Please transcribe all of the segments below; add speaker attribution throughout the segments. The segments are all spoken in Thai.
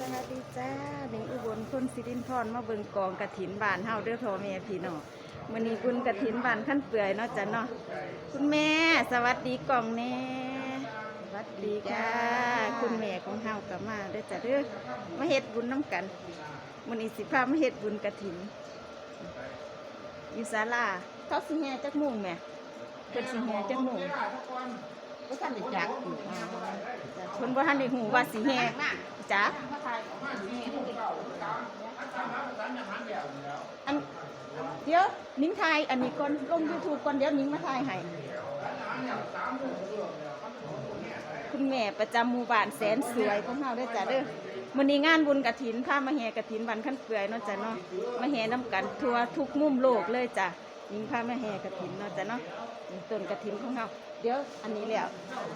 Speaker 1: วัสดีจ้าหนิงอุบลคนสิรินทร์มาเบิ่งกองกฐินบ้านเฮาเด้อพ่อแม่พี่น้องมื้อนี้บุญกฐินบ้านขั้นเปื่อยเนาะจ้ะเนาะคุณแม่สวัสดีกล่องแน่สวัสดีค่ะคุณแม่ของเฮาก็มาเด้อจ้ะเด้อมาเฮ็ดบุญน้ำกันมื้อนี้สิพามาเฮ็ดบุญกฐินอยู่ศาลาเขาสิแห่จักโมงแม่เพิ่นสิแห่จักโมง
Speaker 2: ก็ท่านได้จักอยู่
Speaker 1: เพิ่นบ่ทันได้ฮู้ว่าสิแห่จ้าอันเดี๋ยวนิ้งถ่ายอันนี้ก่อนลง YouTube ก่อนเดี๋ยวนิ้งมาถ่ายให้คุณแม่ประจำหมู่บ้านแสนสวยของเฮาเด้อจ้ะเด้อมื้อนี้งานบุญกฐินพามาแห่กฐินบ้านขั้นเปื่อยเนาะจ้ะเนาะมาแห่นํกันทั่วทุกมุมโลกเลยจ้ะนิ้งพามาแห่กฐินเนาะจ้ะเนาะต้นกฐินของเฮาเดี๋ยวอันนี้แล้ว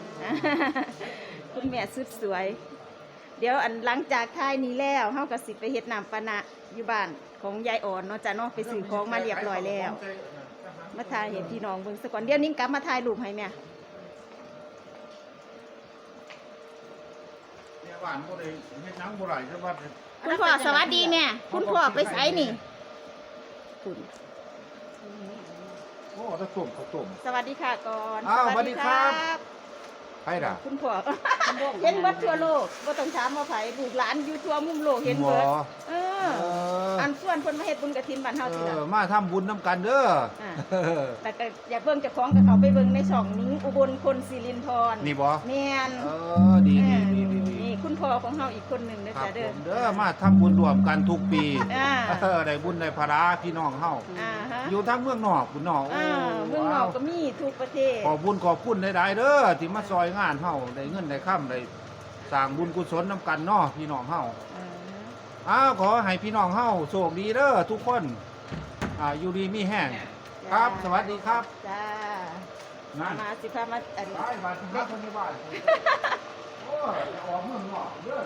Speaker 1: คุณแม่สุดสวย เดี๋ยวอันหลังจากถ่ายนี้แล้วเฮาก็สิไปเฮ็ดน้ำปานะอยู่บ้านของยายอ่อนเนาะจ้ะเนาะไปซื้อของมาเรียบร้อยแล้วมาถ่ายให้พี่น้องเบิ่งซะก่อนเดี๋ยวนิ้งกลับมาถ่ายรูปให้แม่
Speaker 3: เนี่ยบ้านบ่ได้เฮ็ดหนังบ่ได้แต่ว่า
Speaker 1: คุณพ่อสวัสดีแม่คุณพ่อไปไสนี่คุณ
Speaker 3: โอ้ถ้าต้มข้าวต้ม
Speaker 1: สวัสดีค่ะก่อน
Speaker 3: อ้าวสวัสดีครับ ไปล่ะ
Speaker 1: คุณพ่อ เห็นเบิดทั่วโลกบ่ต้องถามว่าไผลูกหลานอยู่ทั่วมุมโลกเห็นเบิดเอออันส่วนเพิ่นมาเฮ็ดบุญกฐินบ้านเฮาสิล่ะ
Speaker 3: มาทำบุญน้ำกันเด้อ
Speaker 1: แต่ก็อย่าเบิ่งเจ้าของกับเขาไปเบิ่งในช่องนิ้งอุบลคนสิรินทร์
Speaker 3: นี่บ่
Speaker 1: แม่น
Speaker 3: ดี
Speaker 1: นี่คุณพ่อของเฮาอีกคนหนึงเด้อ
Speaker 3: ครับ
Speaker 1: จ้ะ
Speaker 3: ผ
Speaker 1: เด้อ
Speaker 3: มเด้อมาทำบุญรวมกันทุกปี
Speaker 1: อ่า
Speaker 3: ได้บุญได้ภาระพี่น้องเฮา
Speaker 1: ฮะ
Speaker 3: อยู่ทางเมืองนอกพุ่นเนาะ
Speaker 1: เมืองนอกก็มีทุกประเทศ
Speaker 3: ขอบบุญขอบคุณหลายๆเด้อที่มาซอยงานเฮาได้เงินได้ค่ำได้สร้างบุญกุศลน้ำกันเนาะพี่น้องเฮา ขอให้พี่น้องเฮาโชคดีเด้อทุกคนอยู่ดีมีแห้งครับ สวัสดีครับ
Speaker 1: จ้า
Speaker 3: นั่น
Speaker 1: มาสิพามาอันนี้
Speaker 3: ได้บัตรครับคนนี้บ้านโอ้ยออกเมืองนอกเด้อ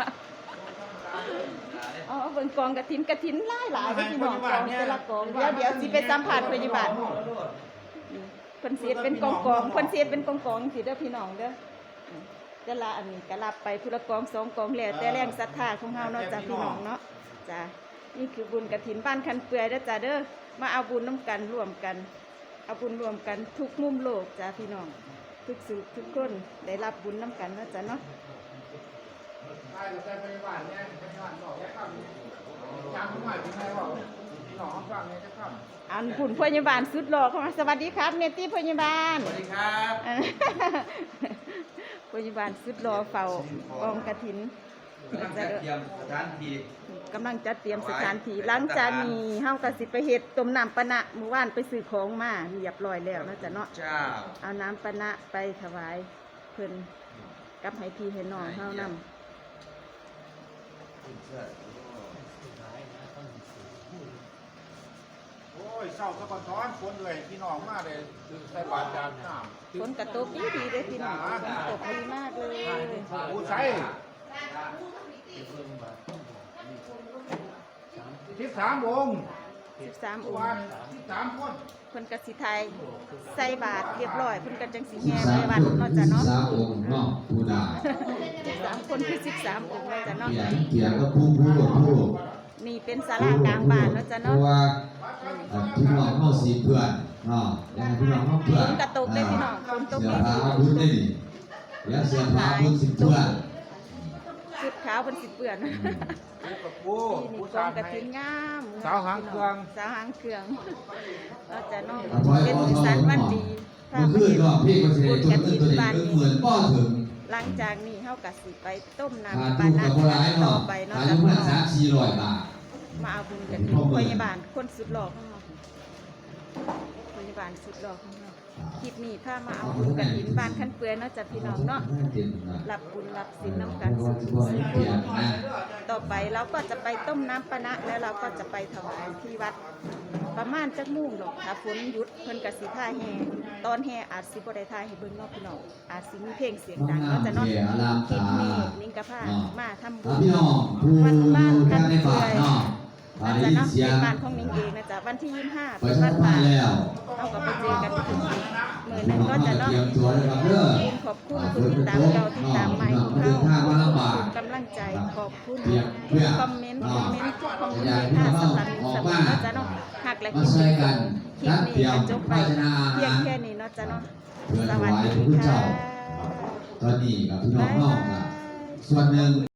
Speaker 1: อ๋อเบิ่งกองกฐินหลายๆพี่น้องกองแต่ละกองเดี๋ยวสิไปสัมภาษณ์พยาบาลเพิ่นสิเป็นกองเพิ่นสิเป็นกองสิเด้อพี่น้องเด้อแต่ละอันนี้ก็รับไปผู้ละกอง2กองแล้วแต่แรงศรัทธาของเฮาเนาะจ้ะพี่น้องเนาะจ้ะนี่คือบุญกฐินบ้านคันเปื่อยเด้อจ้ะเด้อมาเอาบุญน้ำกันร่วมกันเอาบุญรวมกันทุกมุมโลกจ้ะพี่น้องทุกสุขทุกคนได้รับบุญน้ำกันเนาะจ้ะเนาะ
Speaker 3: ได้แต่พยาบาลเนี่ยพยาบาลบอกแค่คำจำไม่ได้เป็นไงว่าพี่น้องฟังเนี่ยจะคำ
Speaker 1: อันผุ่นพยาบาลสุดหล่อเข้ามาสวัสดีครับเนตี้พยาบาล
Speaker 3: สวัสดีครับ
Speaker 1: พยาบาลสุดหล่อเฝ้ากองกฐิน
Speaker 2: กำลังจัดเตรียมสถานที่
Speaker 1: กำลังจัดเตรียมสถานที่หลังจากนี้เฮาก็สิไปเฮ็ดต้มน้ำปะนะเมื่อวานไปซื้อของมาเรียบร้อยแล้วนะจ๊ะเนาะ
Speaker 2: เจ้า
Speaker 1: เอาน้ำปะนะไปถวายเพิ่นกับให้พี่ให้น้องเฮานำ
Speaker 3: โอ้ยเศร้าสะก่อนท้อนคนเลยพี่น้องมาเลยใส่บาตรจานน้
Speaker 1: ฝนกระตกดีเด้อพี่น้องฝนตกดีมากเลย
Speaker 3: ำผู้ใช้13 องค์
Speaker 1: 13อง
Speaker 3: วัน
Speaker 1: ค์
Speaker 3: 13 คน
Speaker 1: เพิ่นก็สิไทยใส่บาตรเรียบร้อยเพิ่นก็จังสิแห่ไปวัดเนาะจ้ะเนาะ
Speaker 4: 13 องค์เนาะผู้ดา
Speaker 1: 13คนคือ13องค์เลยจ้ะเนาะ
Speaker 4: เกียรติกับผู้
Speaker 1: นี่เป็นศาลากลางบ้านเนาะจ้ะ
Speaker 4: เพ
Speaker 1: เนาะ
Speaker 4: ราะว่าพี่น้องเฮาสิเพื่อนเนาะยังพี่น้องเฮาเพื่อน
Speaker 1: ฝนกระตกได้พี่น้องฝนตก
Speaker 4: เสื้อ
Speaker 1: ดี
Speaker 4: ผ้าอาวุธได้นี่แล้วเสื้อผ้าอาวุธสิเพื่อน
Speaker 1: ชุดขาวเพิ่นสิเปื้อน
Speaker 3: ผู้กับผู้
Speaker 1: นี่
Speaker 3: ผู้
Speaker 1: กอ
Speaker 3: ชาง ย
Speaker 1: กระถินงาม
Speaker 3: สาวหางเครื่อง
Speaker 1: สาวหางเครื่องเราจะน้อง
Speaker 4: ขอให้
Speaker 1: เป็น
Speaker 4: ขอ
Speaker 1: สีสันวันดี
Speaker 4: เมื่อคืนเนาะพี่ก็สิได้จดตัวนี้เหมือนบ่ถึง
Speaker 1: หลังจากนี้เฮาก็สิไปต้ม
Speaker 4: หา
Speaker 1: น้ำป
Speaker 4: ดู
Speaker 1: ลา
Speaker 4: กับบ่หลาย
Speaker 1: ต่อ
Speaker 4: เนาะ
Speaker 1: ไปเนาะ
Speaker 4: อา
Speaker 1: จ้ะ
Speaker 4: ยุ
Speaker 1: พี่
Speaker 4: มัน
Speaker 1: น้อง
Speaker 4: 3-400 บาท
Speaker 1: มาเอาบุญกันที่พยาบาลคนสุดหล่อของเราพยาบาลสุดหล่อของเราคลิปนี้ถ้ามาเอาบุญกันหินบ้านขั้นเปื่อยเนาะจ้ะพี่น้องเนาะรับบุญรับศีลน้ำกันสุขต่อไปเราก็จะไปต้มน้ำปะนะแล้วเราก็จะไปถวายที่วัด ประมาณจักมุ่งหรอกถ้าฝนหยุดเพิ่นก็สิท่าแห่ตอนแห่อาจสิบ่ได้ท่าให้เบิ่งเนาะพี่น้องอาจสิมีเพลงเสียงดังเนาะจ้ะเนาะคลิปนี้นิ้งกะพามาทำบุญ
Speaker 4: พี่น้องผู้
Speaker 1: วันบ้าน
Speaker 4: อยู่
Speaker 1: กัน
Speaker 4: ใน
Speaker 1: เปื่
Speaker 4: บ้า
Speaker 1: อน ย
Speaker 4: เนาะ
Speaker 1: นะ
Speaker 4: ได้
Speaker 1: จ๊ะ
Speaker 4: ยิน
Speaker 1: เนาะ
Speaker 4: เสีย
Speaker 1: เป็
Speaker 4: ง
Speaker 1: นบ้านของนิ้งเองนะจ๊ะวันที่25
Speaker 4: ป
Speaker 1: เป็
Speaker 4: ระ
Speaker 1: น
Speaker 4: ชา
Speaker 1: บ้าน
Speaker 4: สัมพั
Speaker 1: ป่าน
Speaker 4: ธ์แล้ว
Speaker 1: เอากลับไปเจอกันที่มื้อหนึง
Speaker 4: น้อง
Speaker 1: ก็จะเนาะ
Speaker 4: เตรียมตัวเลยครับเด้อ
Speaker 1: ขอบคุณผู้ติดตามเก่าติดตามใหม่ของ
Speaker 4: เดิ
Speaker 1: เฮาน
Speaker 4: ทางมาลำบาก
Speaker 1: กำลังใจขอบคุณ
Speaker 4: เปรียบเพื่อ
Speaker 1: คอมเมนต์ทุกคอมเมนต์
Speaker 4: อยากให้
Speaker 1: ค่ะ
Speaker 4: พี่น้อง
Speaker 1: สำหรับ
Speaker 4: ออก
Speaker 1: สำห
Speaker 4: มา
Speaker 1: รับเนาะจ้ะเนาะหักและ
Speaker 4: มา
Speaker 1: คิด
Speaker 4: ช่วยกัน
Speaker 1: คลิป
Speaker 4: นัด
Speaker 1: นี้
Speaker 4: เตรียม
Speaker 1: ก็จบไป
Speaker 4: ภาชนะอา
Speaker 1: เพีย
Speaker 4: หาง ร
Speaker 1: แค่นี้เนาะจ้ะเนาะ
Speaker 4: เพื่อ
Speaker 1: ส
Speaker 4: ถ
Speaker 1: วัส
Speaker 4: วาย
Speaker 1: ดี
Speaker 4: พระพุทธ
Speaker 1: ค่ะ
Speaker 4: เจ้าตอนนี้กับพี่น้องนอกส่วนหนึ่ง